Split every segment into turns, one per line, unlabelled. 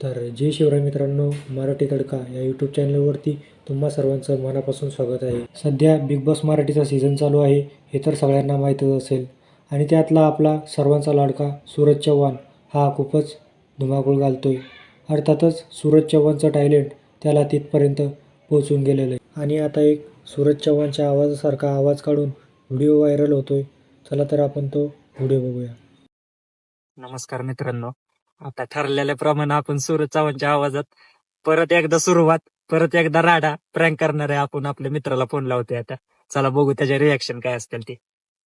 तर जय शिवराय मित्रांनो, मराठी तडका या यूट्यूब चॅनलवरती तुम्हा सर्वांचं मनापासून स्वागत आहे. सध्या बिग बॉस मराठीचा सीझन चालू आहे हे तर सगळ्यांना माहीतच असेल आणि त्यातला आपला सर्वांचा लाडका सूरज चव्हाण हा खूपच धुमाकूळ घालतोय. अर्थातच सूरज चव्हाणचं टॅलेंट त्याला तिथपर्यंत पोहोचून गेलेलं आहे आणि आता एक सूरज चव्हाणच्या आवाजासारखा आवाज काढून व्हिडिओ व्हायरल होतोय. चला तर आपण तो व्हिडिओ बघूया.
नमस्कार मित्रांनो, आता ठरलेल्याप्रमाणे आपण सूरज चव्हाणच्या आवाजात परत एकदा सुरुवात, परत एकदा राडा प्रँक करणार आहे. आपण आपल्या मित्राला फोन लावतोय आता. चला बघू त्याचे रिॲक्शन काय असतील ते.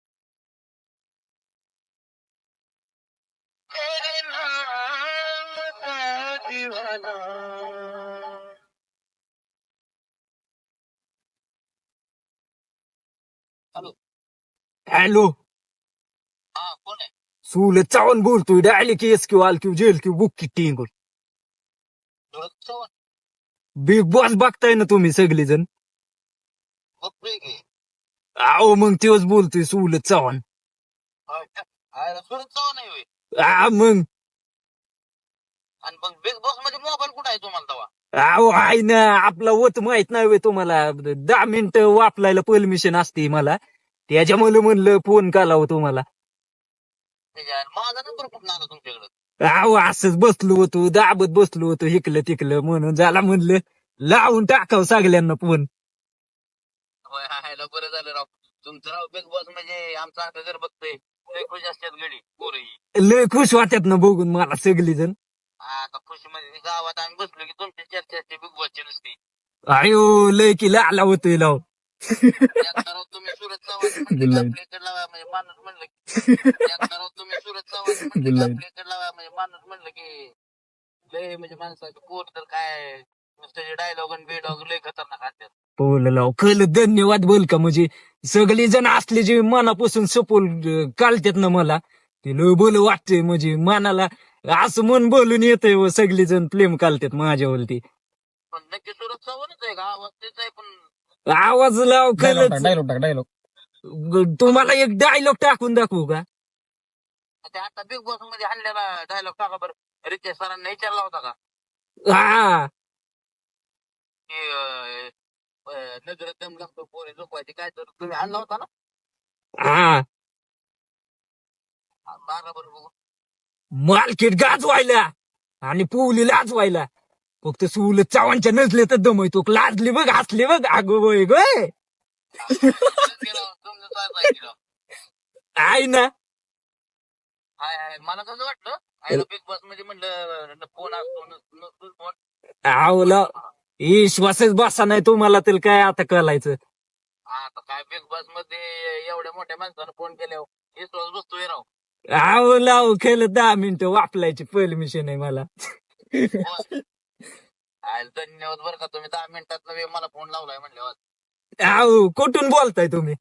हॅलो,
कोण आहे?
सूरज चव्हाण बोलतोय. डायली केस क्यू आल क्यू जेल क्यू बुक की टिंगून.
सूरज चव्हाण
बिग बॉस बघताय ना तुम्ही सगळेजण.
बघतोय की.
आओ मग तेच बोलतोय सूरज चव्हाण.
सूरज चव्हाण आहे होय.
मग
आणि मग बिग बॉस मध्ये मोबाईल कुठं आहे तुम्हाला तेव्हा?
आओ आहे ना, आपला वत माहित नाही होय तुम्हाला. 10 मिनिटं वापरायला परमिशन असते मला, त्याच्यामुळे म्हणलं फोन करावं तुम्हाला.
माझा नंबर कुठून आला तुमच्याकडे?
अहो असंच बसलो होतो, दाबत बसलो होतो इकलं तिकलं, म्हणून झाला म्हणलं लावून टाकावं सगळ्यांना फोन.
होय, हायला बरं झालं राव. तुमचं राव बिग बॉस म्हणजे आमचा आता जर बघतोय लय खुश असतात गडी पोरही.
लय खुश वाटत ना बघून मला सगळी जण.
आता खुशी मध्ये गावात आम्ही बसलो की तुमची चर्चा असते बिग बॉसची नुसती.
आयो लय की लाला होतोय लाव.
एकदा राव तुम्ही सूरज चव्हाण म्हणलं की आपल्याकडे लावा म्हणजे माणूस म्हणलं की एकदा राव तुम्ही सूरज चव्हाण म्हणलं की आपल्याकडे लावा म्हणजे माणूस म्हणलं की लय म्हणजे माणसाचं पोर तर काय नुसतं डायलॉग आणि बेडॉग लय खतरनाक असतात.
बोल लाव खल धन्यवाद बोल का, म्हणजे सगळी जण असले जे मनापासून सपोर्ट काढतात ना मला, ते लय बोल वाटतंय. म्हणजे मनाला असं मन बोलून येतंय, सगळी जण प्रेम काढतात माझ्यावरती.
पण नक्की सूरज चव्हाणच आहे का? आवाज तेच आहे पण
आवाज लाव खलच.
डायलॉग
तुम्हाला एक डायलॉग टाकून दाखवू का?
ते आता बिग बॉस मध्ये आणलेला डायलॉग टाका बरं. रितेश सरांना विचारला होता का
हा
की नजर दम लागतो पोरे झोपायची काय, तर तुम्ही आणला होता ना?
हा
मारा बरं बघू.
मार्केट गाजवायला आणि पुवली लाजवायला, फक्त सूल चव्हाणच्या नजले तर दमयतो. लाजली बघ, हसली बघ, अगो बोय गोय
तुमचं चालू आहे की राव.
आहे ना.
हाय हाय, मला कसं वाटलं आयला बिग बॉस मध्ये म्हणलं फोन असतो नसतो फोन.
आवला विश्वासच बसा नाही तुम्हाला, तर काय आता कळायचं.
आता काय बिग बॉस मध्ये एवढ्या मोठ्या माणसानं फोन केल्यावर विश्वास बसतोय राव.
लाव खेळत 10 मिनिटं वापरायची परमिशन आहे मला.
धन्यवाद बरं का, तुम्ही 10 मिनिटात मला फोन लावलाय म्हणल्यावर.
आहो कुठून बोलताय तुम्ही?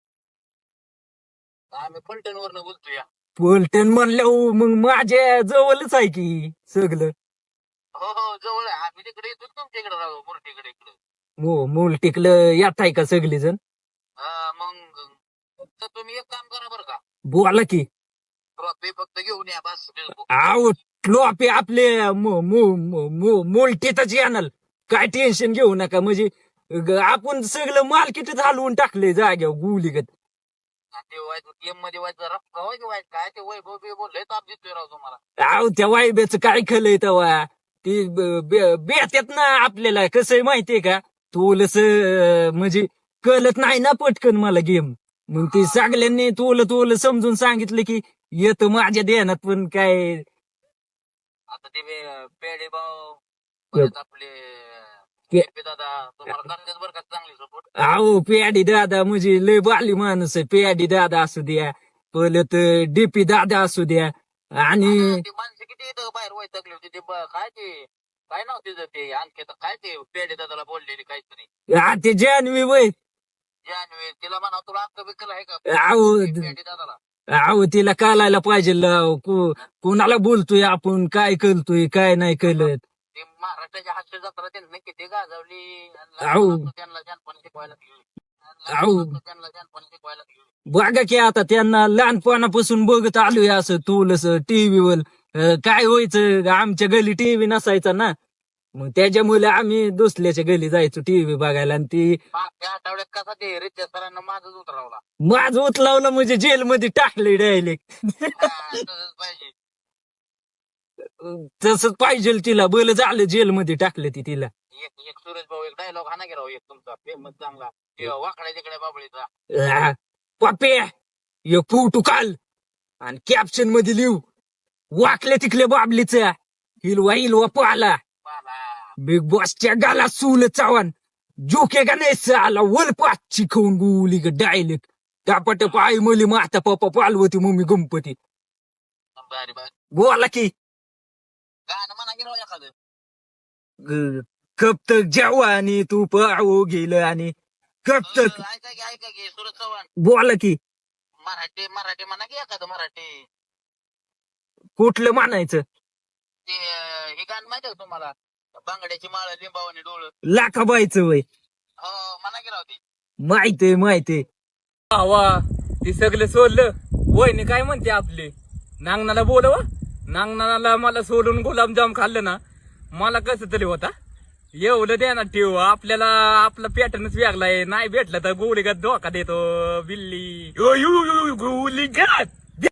आम्ही फलटण वरनं बोलतोय.
पलटण म्हणलं मग माझ्या जवळच आहे की सगळं.
हो हो, जवळ आहे. आम्ही तिकडे येतो तुमच्या इकडे राहू मुरटीकडे इकडे.
मूल टिकलं येत आहे का सगळी जण?
मग तर तुम्ही एक काम करा बरं का,
बोला की.
ट्रॉफी फक्त घेऊन या बस.
आहो ट्रॉफी आपले मोलटीतच येणार, काय टेन्शन घेऊ नका. म्हणजे आपण सगळं मार्केटच हलवून टाकले जाग्यावर गुलीगत.
ते व्हायचं गेम मध्ये व्हायचं रफ व्हायचं काय ते वैभव बिभव लय ताप देतोय राव तुम्हाला.
आहो त्या वायब्याचं काय खलंय तेव्हा, ती बेत्यात ना आपल्याला. कसं आहे माहितीये का, तोलस म्हणजे कळत नाही ना पटकन मला गेम. मग ते सगळ्यांनी तोल समजून सांगितलं की येतं माझ्या ध्यानात, पण काय
आता ते पेडे भाऊ परत आपले KP दादा तुम्हाला करतात बरं का चांगली सपोर्ट.
अहो प्याडी दादा म्हणजे लय बाली माणूस आहे. प्याडी दादा असू द्या, परत डीपी दादा असू द्या, आणि
ते माणसं किती इथं बाहेर वैतागली होती. ते काय ते काय नाव तिचं ते आणखी तर काय ते पेडे दादाला बोललेली काहीतरी.
हा ते जान्हवी वय.
जानवी तिला म्हणा तुला अक्क बिक्कल आहे का
अहो
पेडे दादाला?
अहो तिला कालायला पाहिजे लाव. कोणाला बोलतोय आपण, काय करतोय काय नाही कळत.
ते महाराष्ट्राच्या हास्य जत्रा त्यांनी किती गाजवली.
आऊ.
त्यांना जानपण शिकवायला लागली.
आऊ.
त्यांना जानपण शिकवायला लागली.
बघा की आता त्यांना लहानपणापासून बघत आलोय असं तुलस टीव्हीवर. काय व्हायचं आमच्या गली टीव्ही नसायचा ना, मग त्याच्यामुळे आम्ही दुसऱ्याच्या गली जायचो टीव्ही बघायला. आणि ती
मागच्या आठवड्यात कसा ते रित्या सरांना माझंच उतरवला.
माझ उचलावलं म्हणजे जेलमध्ये टाकले डायरेक्ट.
तसंच पाहिजे.
तसंच पाहिजे तिला, बल झालं जेलमध्ये टाकलं ती तिला.
एक एक सुरेश भाऊ एक डायलॉग हा ना गेला एक तुमचा फेमस चांगला ते वाकड्या तिकडे बाबळीचा.
पप्पे एक फोटो काल आणि कॅप्शन मध्ये लिहू वाकले तिकले बाबलीचा हिलवा हिलवा पाला बिग बॉसच्या गाला सूल चावण जोके का नाही आला वल पाचची खाऊन गुली ग डायलेक्ट टापट पाय मुली माता पप्पा पालवती मम्मी गणपती.
भारी भारी
बोला की
गाणं म्हणा गेलो एखादं.
कब तक जवानी तू पाहू गेलं आणि कब तक.
ऐका की सुरज चव्हाण
बोला की
मराठी मराठी म्हणा की एखादं मराठी.
कुठलं म्हणायचं?
ते हे गाणं माहिती आहे का तुम्हाला बांगड्याची माळ लिंबावाने डोळ.
लाखाबाईचं वय
हो म्हणा गेला होती.
माहितीये माहितीये.
वा ते सगळं सोडलं. वहिनी काय म्हणते आपली नांगणाला बोलवा. नांगणाला मला सोडून गुलाबजाम खाल्लं ना मला कसं तरी होता. एवढं द्या ना ठेव आपल्याला आपला पॅटर्नच वेगळा आहे. नाही भेटलं तर गोळीगत धोका देतो बिल्ली. गोळीगत